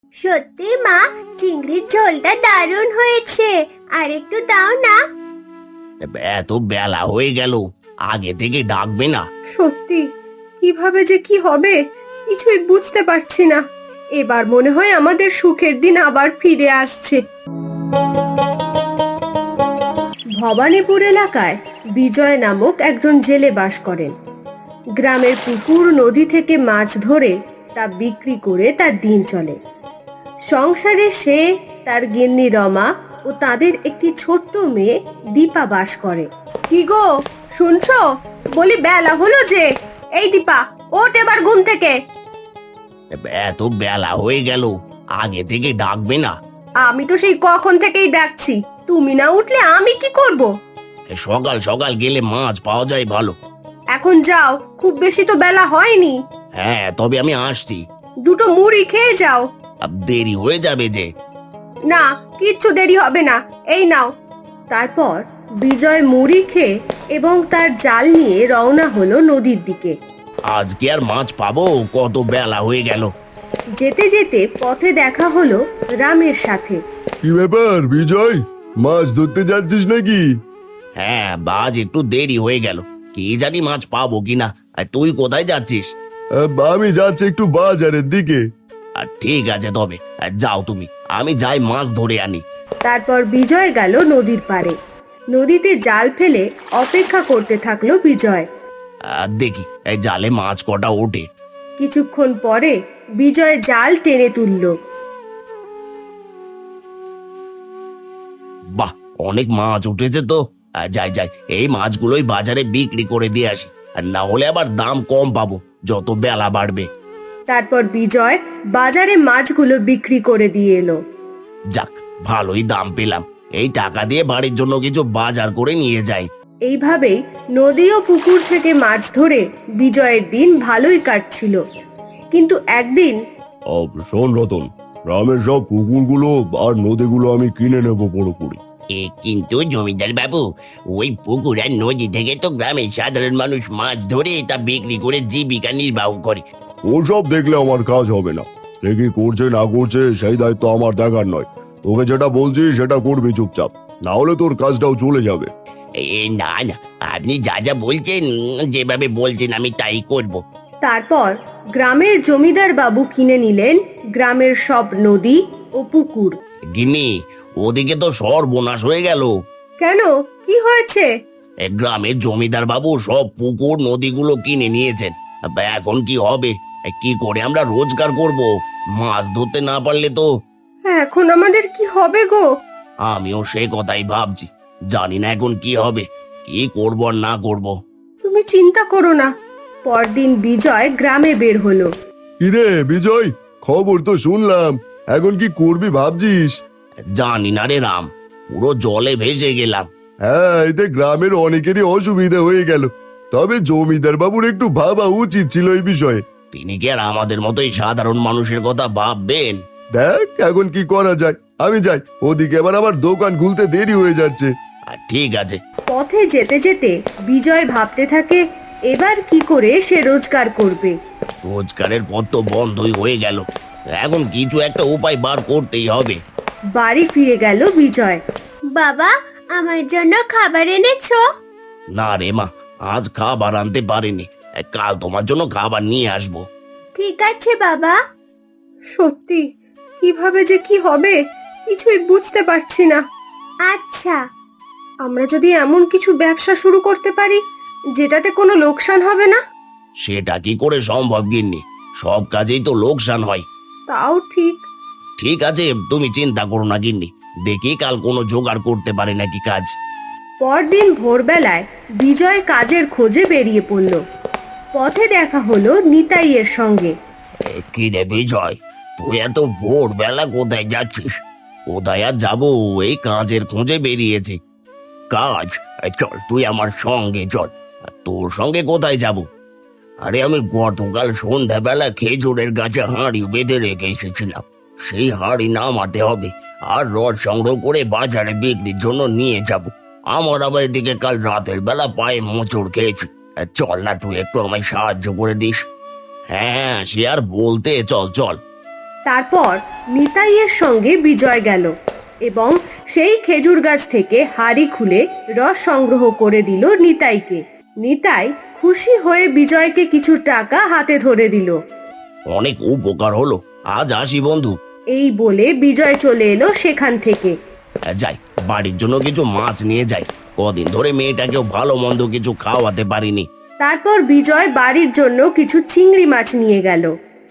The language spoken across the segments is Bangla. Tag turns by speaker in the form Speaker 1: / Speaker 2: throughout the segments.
Speaker 1: সত্যি মা, চিংড়ির ঝোলটা দারুণ হয়েছে। আর একটু দাও না।
Speaker 2: এত বেলা হয়ে গেল, আগে থেকে ডাকবে না?
Speaker 3: সত্যি কিভাবে যে কি হবে কিছুই বুঝতে পারছি না। এবার মনে হয় আমাদের সুখের দিন আবার ফিরে আসছে। ভবানীপুর এলাকায় বিজয় নামক একজন জেলে বাস করেন। গ্রামের পুকুর নদী থেকে মাছ ধরে তা বিক্রি করে তার দিন চলে। সংসারে সে, তার গিন্নি রমা ও তাদের একটি ছোট্ট মেয়ে দীপা বাস করে। কি গো, শুনছো? বলি বেলা হলো যে। এই দীপা, ওঠ এবার ঘুম থেকে।
Speaker 2: এত বেলা হয়ে গেল, আগে থেকে ডাকবে না?
Speaker 3: আমি তো সেই কখন থেকেই ডাকছি, তুমি না উঠলে আমি কি করব?
Speaker 2: সকাল সকাল গেলে মাছ পাওয়া যায় ভালো।
Speaker 3: এখন যাও, খুব বেশি তো বেলা হয়নি।
Speaker 2: হ্যাঁ, তবে আমি আসছি।
Speaker 3: দুটো মুড়ি খেয়ে যাও।
Speaker 2: দেরি হয়ে যাবে যে।
Speaker 3: না, কিচ্ছু দেরি হবে না, এই নাও। তারপর বিজয় মুড়ি খেয়ে এবং তার জাল নিয়ে রওনা হলো নদীর দিকে।
Speaker 2: আজকে আর মাছ পাবো? কত বেলা হয়ে গেল।
Speaker 3: যেতে যেতে পথে দেখা হলো রামের সাথে।
Speaker 4: কি ব্যাপার বিজয়, মাছ ধরতে যাচ্ছিস নাকি?
Speaker 2: হ্যাঁ, বাজ একটু দেরি হয়ে গেল, কি জানি মাছ পাবো কিনা। আর তুই কোথায় যাচ্ছিস?
Speaker 4: আমি যাচ্ছি একটু বাজারের দিকে।
Speaker 2: আর ঠিক আছে, তবে যাও তুমি, আমি যাই মাছ ধরে আনি।
Speaker 3: তারপর বিজয় গেল নদীর পাড়ে। নদীতে জাল ফেলে অপেক্ষা করতে থাকলো বিজয়।
Speaker 2: দেখি এই জালে মাছ কটা ওঠে।
Speaker 3: কিছুক্ষণ পরে বিজয় জাল টেনে তুলল।
Speaker 2: বাহ, অনেক মাছ উঠেছে তো। যাই যাই, এই মাছগুলোই বাজারে বিক্রি করে দিয়ে আসি, আর না হলে আবার দাম কম পাবো যত বেলা বাড়বে।
Speaker 3: তারপর বিজয় বাজারে মাছগুলো বিক্রি করে দিয়ে এলো।
Speaker 2: যাক, ভালোই দাম পেলাম। এই টাকা দিয়ে বাড়ির জন্য কিছু বাজার করে নিয়ে যাই।
Speaker 3: এইভাবেই নদী ও পুকুর থেকে মাছ ধরে বিজয়ের দিন ভালোই কাটছিল। কিন্তু একদিন
Speaker 4: শোন রতন, গ্রামের সব পুকুরগুলো আর নদীগুলো আমি কিনে নেবো পুরোপুরি।
Speaker 2: কিন্তু জমিদার বাবু, ওই পুকুর আর নদী থেকে তো গ্রামের সাধারণ মানুষ মাছ ধরে তা বিক্রি করে জীবিকা নির্বাহ করে।
Speaker 4: ওসব দেখলে আমার কাজ হবে না। সে কি করছে না করছে সেই দায়িত্ব আমার দেখার নয়। তোকে যেটা বলছি সেটা করবি চুপচাপ, না হলে তোর কাজটাও চলে যাবে।
Speaker 2: না না, আপনি যা যা বলছেন, যেভাবে বলছেন আমি তাই করব।
Speaker 3: তারপর গ্রামের জমিদার বাবু কিনে নিলেন গ্রামের সব নদী ও পুকুর।
Speaker 2: গিন্নি, ওদিকে তো সর্বনাশ হয়ে গেল।
Speaker 3: কেন, কি হয়েছে?
Speaker 2: গ্রামের জমিদার বাবু সব পুকুর নদীগুলো কিনে নিয়েছেন। এখন কি হবে? কি করে আমরা রোজগার করব? মাছ ধরতে না পারলে তো।
Speaker 3: এখন আমাদের কি হবে গো?
Speaker 2: আমিও সে কথাই ভাবছি, জানি না এখন কি হবে, কি করব আর না করব।
Speaker 3: তুমি চিন্তা করো না। পরদিন বিজয় গ্রামে বের হলো।
Speaker 4: কিরে বিজয়, খবর তো শুনলাম, এখন কি করবি ভাবছিস?
Speaker 2: জানি না রে রাম, পুরো জলে ভেসে গেলাম।
Speaker 4: হ্যাঁ, এতে গ্রামের অনেকেরই অসুবিধা হয়ে গেল। তবে জমিদার বাবুর একটু ভাবা উচিত ছিল এই বিষয়ে।
Speaker 2: তিনি কি আর আমাদের মতোই সাধারণ মানুষের কথা ভাববেন?
Speaker 4: দেখ এখন কি করা যায়। আমি যাই, ওদিকে এবার আমার দোকান খুলতে দেরি হয়ে যাচ্ছে।
Speaker 2: আর ঠিক আছে।
Speaker 3: পথে যেতে যেতে বিজয় ভাবতে থাকে এবার কি করে সে রোজগার করবে।
Speaker 2: রোজগারের পথ তো বন্ধই হয়ে গেল, এখন কিছু একটা উপায় বার করতেই হবে।
Speaker 3: বাড়ি ফিরে গেল বিজয়।
Speaker 1: বাবা, আমার জন্য খাবার এনেছো?
Speaker 2: না রে মা, আজ খাবার আনতে পারিনি, কাল তোমার জন্য খাবার নিয়ে আসবো।
Speaker 1: ঠিক আছে বাবা।
Speaker 3: সত্যি কিভাবে যে কি হবে কিছুই বুঝতে পারছি না।
Speaker 1: আচ্ছা।
Speaker 3: আমরা যদি এমন কিছু ব্যবসা শুরু করতে পারি যেটাতে কোনো লোকসান হবে না।
Speaker 2: সেটা কি করে সম্ভব গিন্নি? সব কাজেই তো লোকসান হয়।
Speaker 3: তাও ঠিক।
Speaker 2: ঠিক আছে, তুমি চিন্তা করো না গিন্নি, দেখি কাল কোনো জোগাড় করতে পারে নাকি কাজ।
Speaker 3: পরদিন ভোরবেলায় বিজয় কাজের খোঁজে বেরিয়ে পড়ল। পথে দেখা হলো নিতাইয়ের সঙ্গে।
Speaker 2: কি রে বিজয়, তুই এত ভোরবেলা কোথায় যাচ্ছিস? কোথায় আর যাবো, এই কাজের খোঁজে বেরিয়েছি। কাজ? চল তুই আমার সঙ্গে চল। তোর সঙ্গে কোথায় যাব? আরে আমি গতকাল সন্ধ্যাবেলা খেজুরের গাছে হাঁড়ি বেঁধে রেখে এসেছিলাম, সেই হাঁড়ি নামাতে হবে আর রড সংগ্রহ করে বাজারে বিক্রির জন্য নিয়ে যাব। আমার আবার এদিকে কাল রাতের বেলা পায়ে মোচড় খেয়েছি। চল না, তুই একটু আমায় সাহায্য করে দিস। হ্যাঁ, সে আর বলতে, চল চল।
Speaker 3: তারপর নিতাইয়ের সঙ্গে বিজয় গেল এবং সেই খেজুর গাছ থেকে হাঁড়ি খুলে রস সংগ্রহ করে দিল নিতাইকে। নিতাই খুশি হয়ে বিজয়কে কিছু টাকা হাতে ধরে দিল।
Speaker 2: অনেক উপকার হলো, আজ আসি বন্ধু।
Speaker 3: এই বলে বিজয় চলে এলো সেখান থেকে।
Speaker 2: যাই, বাড়ির জন্য কিছু মাছ নিয়ে যাই। কদিন ধরে মেয়েটাকেও ভালো মন্দ কিছু খাওয়াতে পারিনি।
Speaker 3: তারপর বিজয় বাড়ির জন্য কিছু চিংড়ি মাছ নিয়ে গেল।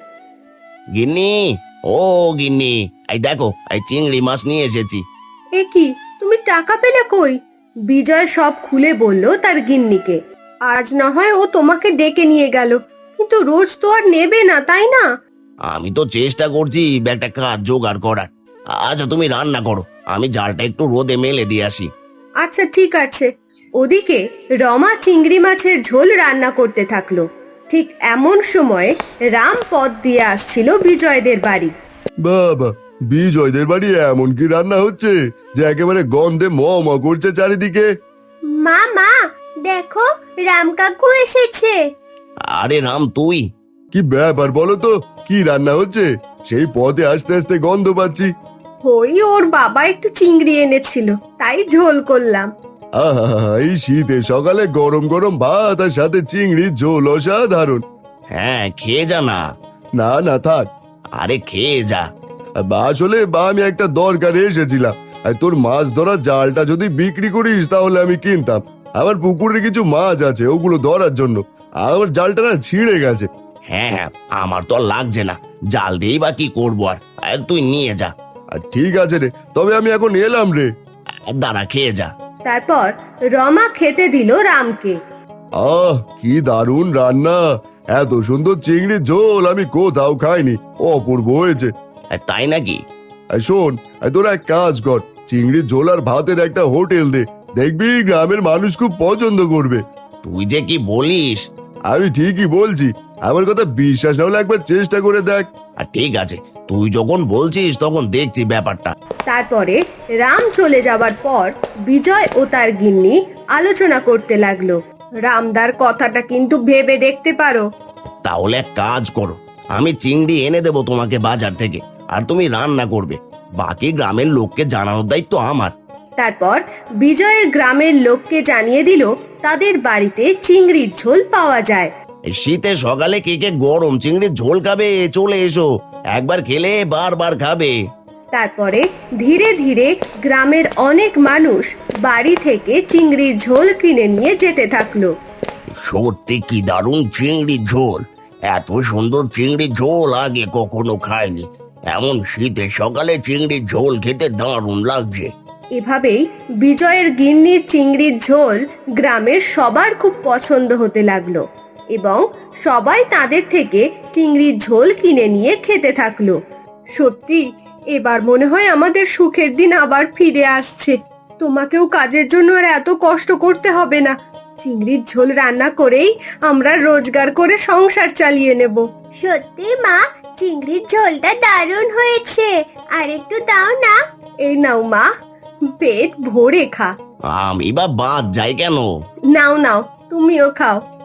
Speaker 2: গিন্নি, ও গিন্নি, এই দেখো, এই চিংড়ি মাছ নিয়ে এসেছি।
Speaker 3: এ কি, তুমি টাকা পেলে কই? বিজয় সব খুলে বলল তার গিন্নিকে। আজ না হয় ও তোমাকে ডেকে নিয়ে গেল, কিন্তু রোজ তো আর নেবে না, তাই না?
Speaker 2: আমি তো চেষ্টা করছি একটা কাজ জোগাড় করার। আচ্ছা, তুমি রান্না করো, আমি জালটা একটু রোদে মেলে দিয়ে আসি।
Speaker 3: আচ্ছা ঠিক আছে। ওদিকে রমা চিংড়ি মাছের ঝোল রান্না করতে থাকলো। ঠিক এমন সময় রাম পথ দিয়ে আসছিল বিজয়দের বাড়ি।
Speaker 4: বাবা, বিজয়দের বাড়ি এমন কি রান্না হচ্ছে যে একেবারে গন্ধে ম ম করছে চারিদিকে।
Speaker 1: মা মা, দেখো রাম কাকু এসেছে।
Speaker 2: আরে রাম, তুই?
Speaker 4: কি ব্যাপার বলো তো, কি রান্না হচ্ছে? সেই পথে আস্তে আস্তে গন্ধ পাচ্ছি।
Speaker 3: ওই ওর বাবা একটু চিংড়ি এনেছিল, তাই ঝোল করলাম।
Speaker 4: আহা, এই শীতে সকালে গরম গরম ভাত আর সাথে চিংড়ির ঝোল অসাধারণ।
Speaker 2: হ্যাঁ, খেয়ে যা না।
Speaker 4: না না থাক,
Speaker 2: আরে খেয়ে যা।
Speaker 4: আসলে আমি একটা দরকারে এসেছিলাম। আর তোর মাছ ধরার জালটা যদি বিক্রি করিস তাহলে আমি কিনতাম। আমার পুকুরে কিছু মাছ আছে, ওগুলো ধরার জন্য। আমার জালটা না ছিঁড়ে গেছে।
Speaker 2: হ্যাঁ হ্যাঁ, আমার তো আর লাগছে না, জাল দিয়েই বা কি করবো আর তুই নিয়ে যা।
Speaker 4: আর ঠিক আছে রে, তবে আমি এখন এলাম রে।
Speaker 2: দাঁড়া, খেয়ে যা।
Speaker 3: তারপর রমা খেতে দিল রামকে।
Speaker 4: আহ, কি দারুণ রান্না! এত সুন্দর চিংড়ির ঝোল আমি কোথাও খাইনি, অপূর্ব হয়েছে।
Speaker 2: তাই নাকি?
Speaker 4: এই শোন, তোরা এক কাজ কর, চিংড়ির ঝোল আর ভাতের একটা হোটেল দে, দেখবি গ্রামের মানুষ খুব পছন্দ করবে।
Speaker 2: তুই যে কি বলিস!
Speaker 4: আমি ঠিকই বলছি, আমার কথা বিশ্বাস না হলে একবার চেষ্টা করে দেখ।
Speaker 2: আর ঠিক আছে, তুই যখন বলছিস তখন দেখছি ব্যাপারটা।
Speaker 3: তারপরে রাম চলে যাবার পর বিজয় ও তার গিন্নি আলোচনা করতে লাগলো। রামদার কথাটা কিন্তু ভেবে দেখতে পারো।
Speaker 2: তাহলে এক কাজ করো, আমি চিংড়ি এনে দেবো তোমাকে বাজার থেকে, আর তুমি রান্না করবে। বাকি গ্রামের লোককে জানানোর দায়িত্ব আমার।
Speaker 3: তারপর বিজয়ের গ্রামের লোককে জানিয়ে দিল তাদের বাড়িতে চিংড়ির ঝোল পাওয়া যায়।
Speaker 2: এই শীতে সকালে কে কে গরম চিংড়ির ঝোল খাবে, চলে এসো, একবার খেলে বারবার খাবে।
Speaker 3: তারপরে ধীরে ধীরে গ্রামের অনেক মানুষ বাড়ি থেকে চিংড়ির ঝোল কিনে নিয়ে যেতে থাকলো।
Speaker 2: সত্যি কি দারুণ চিংড়ির ঝোল! এত সুন্দর চিংড়ির ঝোল আগে কখনো খাইনি। এমন শীতে সকালে চিংড়ির ঝোল খেতে দারুণ লাগছে।
Speaker 3: এভাবেই বিজয়ের গিন্নির চিংড়ির ঝোল গ্রামের সবার খুব পছন্দ হতে লাগলো এবং সবাই তাদের থেকে চিংড়ির ঝোল কিনে নিয়ে খেতে থাকলো। সত্যি এবার মনে হয় আমাদের সুখের দিন আবার ফিরে আসছে। তোমাকেও কাজের জন্য আর এত কষ্ট করতে হবে না। চিংড়ির ঝোল রান্না করেই আমরা রোজগার করে সংসার চালিয়ে নেব।
Speaker 1: সত্যি মা, চিংড়ির ঝোলটা দারুণ হয়েছে, আর একটু দাও না।
Speaker 3: এই নাও মা, পেট ভরে খা।
Speaker 2: আমি বা বাদ যাই কেন?
Speaker 3: নাও নাও, তুমিও খাও।